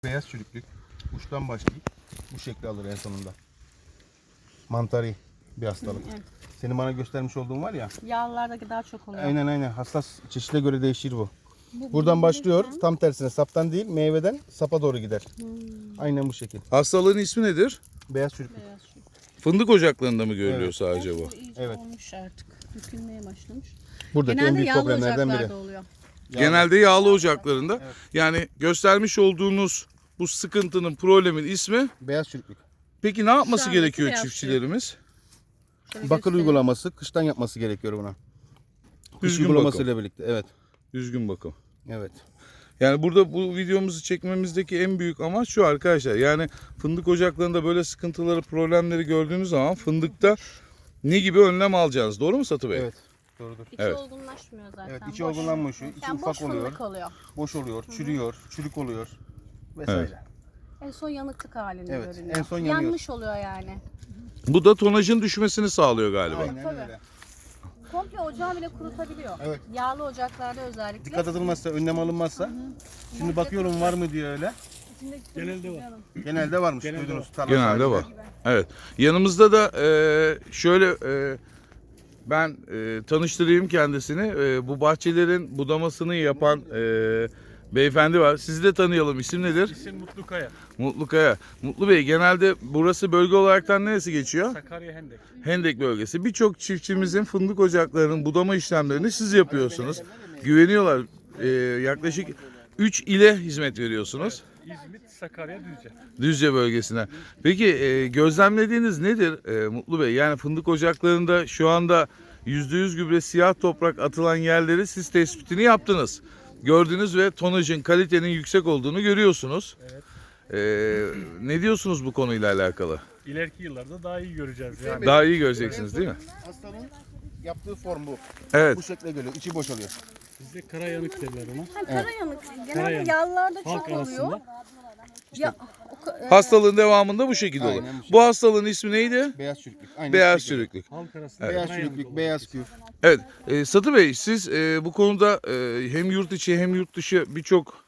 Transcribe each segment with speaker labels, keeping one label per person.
Speaker 1: Beyaz çürüklük. Uçtan başlayıp bu şekli alır en sonunda. Mantari bir hastalık.
Speaker 2: Evet.
Speaker 1: Senin bana göstermiş olduğun var ya.
Speaker 2: Yağlılardaki daha çok oluyor.
Speaker 1: Aynen. Hassas çeşide göre değişir bu. Buradan başlıyor. Tam tersine saptan değil meyveden sapa doğru gider. Aynen bu şekil.
Speaker 3: Hastalığın ismi nedir?
Speaker 1: Beyaz çürüklük.
Speaker 2: Beyaz şu.
Speaker 3: Fındık ocaklarında mı görülüyor
Speaker 1: Evet.
Speaker 3: sadece bu?
Speaker 2: İyice
Speaker 1: Evet.
Speaker 2: olmuş artık. Dökülmeye başlamış.
Speaker 1: Buradaki en
Speaker 2: Genelde
Speaker 1: büyük
Speaker 2: yağlı
Speaker 1: problemlerden biri.
Speaker 2: ocaklarda oluyor.
Speaker 3: Genelde yağlı ocaklarında. Yani göstermiş olduğunuz bu sıkıntının, problemin ismi.
Speaker 1: Beyaz çürüklük.
Speaker 3: Peki ne yapması
Speaker 2: Şu andaki
Speaker 3: gerekiyor
Speaker 2: beyaz
Speaker 3: çiftçilerimiz?
Speaker 2: Şöyle
Speaker 1: Bakır
Speaker 2: göstereyim.
Speaker 1: uygulaması kıştan yapması gerekiyor buna. Kış
Speaker 3: Düzgün
Speaker 1: uygulamasıyla birlikte. Evet.
Speaker 3: Düzgün bakım.
Speaker 1: Evet.
Speaker 3: Yani burada bu videomuzu çekmemizdeki en büyük amaç şu arkadaşlar. Yani fındık ocaklarında böyle sıkıntıları, problemleri gördüğünüz zaman fındıkta ne gibi önlem alacağınız? Doğru mu Satı Bey?
Speaker 1: Evet. Doğrudur.
Speaker 2: İçi
Speaker 3: Evet.
Speaker 2: olgunlaşmıyor zaten.
Speaker 1: Evet, içi
Speaker 2: Boş.
Speaker 1: olgunlanmış, içi
Speaker 2: Yani
Speaker 1: ufak
Speaker 2: boş
Speaker 1: oluyor.
Speaker 2: fındık oluyor.
Speaker 1: Boş oluyor, çürüyor, çürük oluyor vesaire.
Speaker 3: Evet.
Speaker 2: En son yanıklık halinde
Speaker 1: Evet,
Speaker 2: görünüyor.
Speaker 1: en son yanıyor.
Speaker 2: Yanmış oluyor yani.
Speaker 3: Bu da tonajın düşmesini sağlıyor galiba.
Speaker 1: Aynen
Speaker 2: Tabii.
Speaker 1: öyle.
Speaker 2: Komple ocağı bile kurutabiliyor.
Speaker 1: Evet.
Speaker 2: Yağlı ocaklarda özellikle.
Speaker 1: Dikkat edilmezse, önlem alınmazsa. Şimdi bakıyorum var mı diye öyle.
Speaker 2: Genelde var.
Speaker 1: Genelde varmış. Duydunuz. tarla
Speaker 3: Genelde
Speaker 1: sahibinde.
Speaker 3: var. Evet. Yanımızda da şöyle ben tanıştırayım kendisini. Bu bahçelerin budamasını yapan beyefendi var. Sizi de tanıyalım. İsim nedir?
Speaker 4: İsim Mutlu Kaya.
Speaker 3: Mutlu Kaya. Mutlu Bey, genelde burası bölge olaraktan neresi geçiyor?
Speaker 4: Sakarya Hendek.
Speaker 3: Hendek bölgesi. Birçok çiftçimizin fındık ocaklarının budama işlemlerini siz yapıyorsunuz. Güveniyorlar. Yaklaşık 3 ile hizmet veriyorsunuz.
Speaker 4: İzmit, Sakarya, Düzce.
Speaker 3: Düzce bölgesine. Peki gözlemlediğiniz nedir Mutlu Bey? Yani fındık ocaklarında şu anda %100 gübre siyah toprak atılan yerleri siz tespitini yaptınız. Gördünüz ve tonajın, kalitenin yüksek olduğunu görüyorsunuz.
Speaker 4: Evet.
Speaker 3: Ne diyorsunuz bu konuyla alakalı?
Speaker 4: İleriki yıllarda daha iyi göreceğiz yani.
Speaker 3: Daha iyi göreceksiniz değil mi?
Speaker 1: Hastanın yaptığı form bu.
Speaker 3: Evet.
Speaker 1: Bu şekle geliyor. İçi boşalıyor.
Speaker 4: Bizde kara yanık derler ona.
Speaker 2: Karayanık. Genelde
Speaker 4: Karayanık.
Speaker 2: yağlılarda
Speaker 4: Halk
Speaker 2: çok oluyor.
Speaker 4: arasında.
Speaker 2: Ya,
Speaker 3: Hastalığın devamında bu şekilde olur.
Speaker 1: Aynen bu şekilde.
Speaker 3: Bu hastalığın ismi neydi?
Speaker 1: Beyaz çürüklük. Aynen
Speaker 3: Beyaz
Speaker 1: bu şekilde.
Speaker 3: çürüklük.
Speaker 4: Halk arasında
Speaker 1: Beyaz
Speaker 4: kara yanık
Speaker 1: çürüklük,
Speaker 4: olur.
Speaker 1: beyaz küf.
Speaker 3: Evet. Satı Bey, siz bu konuda hem yurt içi hem yurt dışı birçok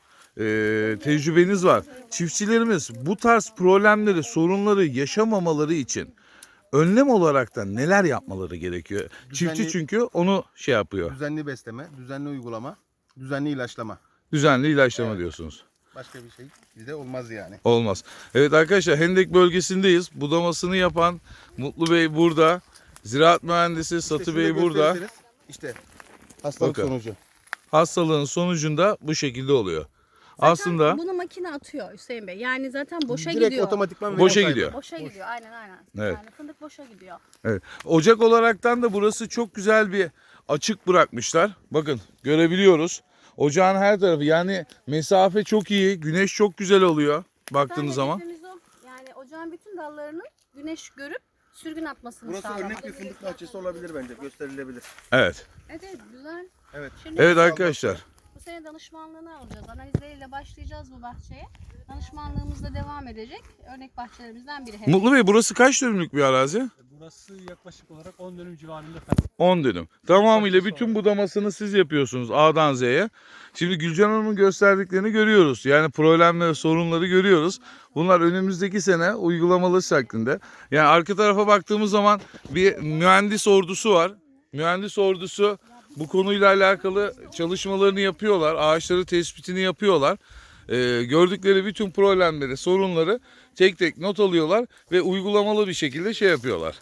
Speaker 3: tecrübeniz var. Çiftçilerimiz bu tarz problemleri, sorunları yaşamamaları için önlem olarak da neler yapmaları gerekiyor? Çiftçi çünkü onu şey yapıyor.
Speaker 1: Düzenli besleme, düzenli uygulama, düzenli ilaçlama.
Speaker 3: Düzenli ilaçlama diyorsunuz.
Speaker 1: Başka bir şey bizde olmaz yani.
Speaker 3: Olmaz. Evet arkadaşlar, Hendek bölgesindeyiz. Budamasını yapan Mutlu Bey burada. Ziraat mühendisi Satı
Speaker 1: şurada
Speaker 3: Bey burada.
Speaker 1: gösterirseniz, İşte hastalık
Speaker 3: Bakın.
Speaker 1: sonucu.
Speaker 3: Hastalığın sonucunda bu şekilde oluyor. Aslında
Speaker 2: bunu makine atıyor Hüseyin Bey. Yani zaten boşa
Speaker 1: Direkt
Speaker 2: gidiyor.
Speaker 1: otomatikman
Speaker 3: boşa
Speaker 1: veriyor
Speaker 3: gidiyor.
Speaker 2: Boşa gidiyor. Aynen.
Speaker 3: Evet.
Speaker 2: Yani fındık boşa gidiyor.
Speaker 3: Evet. Ocak olaraktan da burası çok güzel bir açık bırakmışlar. Bakın görebiliyoruz. Ocağın her tarafı, yani mesafe çok iyi. Güneş çok güzel oluyor baktığınız zaman.
Speaker 2: Hedefimiz o. Yani ocağın bütün dallarının güneş görüp sürgün atmasını
Speaker 1: Burası
Speaker 2: sağlamak.
Speaker 1: örnek bir fındık bahçesi olabilir bence. Gösterilebilir.
Speaker 3: Evet.
Speaker 2: Evet, güzel.
Speaker 1: Evet.
Speaker 2: Şimdi
Speaker 3: Evet arkadaşlar.
Speaker 2: bu sene danışmanlığını alacağız. Analizleriyle başlayacağız bu bahçeye. Danışmanlığımız da devam edecek. Örnek bahçelerimizden biri.
Speaker 3: Mutlu Bey, burası kaç dönümlük bir arazi?
Speaker 4: Burası yaklaşık olarak 10 dönüm civarında falan.
Speaker 3: 10 dönüm. Tamamıyla bütün budamasını siz yapıyorsunuz A'dan Z'ye. Şimdi Gülcan Hanım'ın gösterdiklerini görüyoruz. Yani problemleri, sorunları görüyoruz. Bunlar önümüzdeki sene uygulamalı şeklinde. Yani arka tarafa baktığımız zaman bir mühendis ordusu var. Mühendis ordusu bu konuyla alakalı çalışmalarını yapıyorlar. Ağaçları tespitini yapıyorlar. Gördükleri bütün problemleri, sorunları tek tek not alıyorlar ve uygulamalı bir şekilde şey yapıyorlar.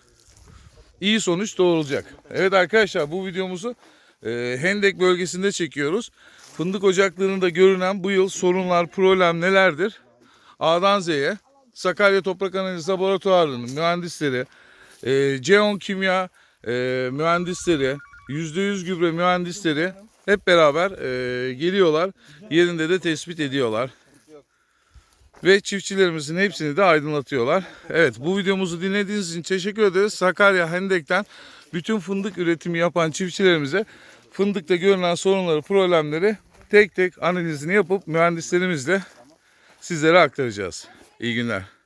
Speaker 3: İyi sonuç doğurulacak. Evet arkadaşlar, bu videomuzu Hendek bölgesinde çekiyoruz. Fındık ocaklarında görünen bu yıl sorunlar, problem nelerdir? A'dan Z'ye Sakarya Toprak Analizi Laboratuvarı'nın mühendisleri, C10 Kimya mühendisleri, %100 gübre mühendisleri hep beraber geliyorlar. Yerinde de tespit ediyorlar. Ve çiftçilerimizin hepsini de aydınlatıyorlar. Evet, bu videomuzu dinlediğiniz için teşekkür ederiz. Sakarya Hendek'ten bütün fındık üretimi yapan çiftçilerimize fındıkta görülen sorunları, problemleri tek tek analizini yapıp mühendislerimizle sizlere aktaracağız. İyi günler.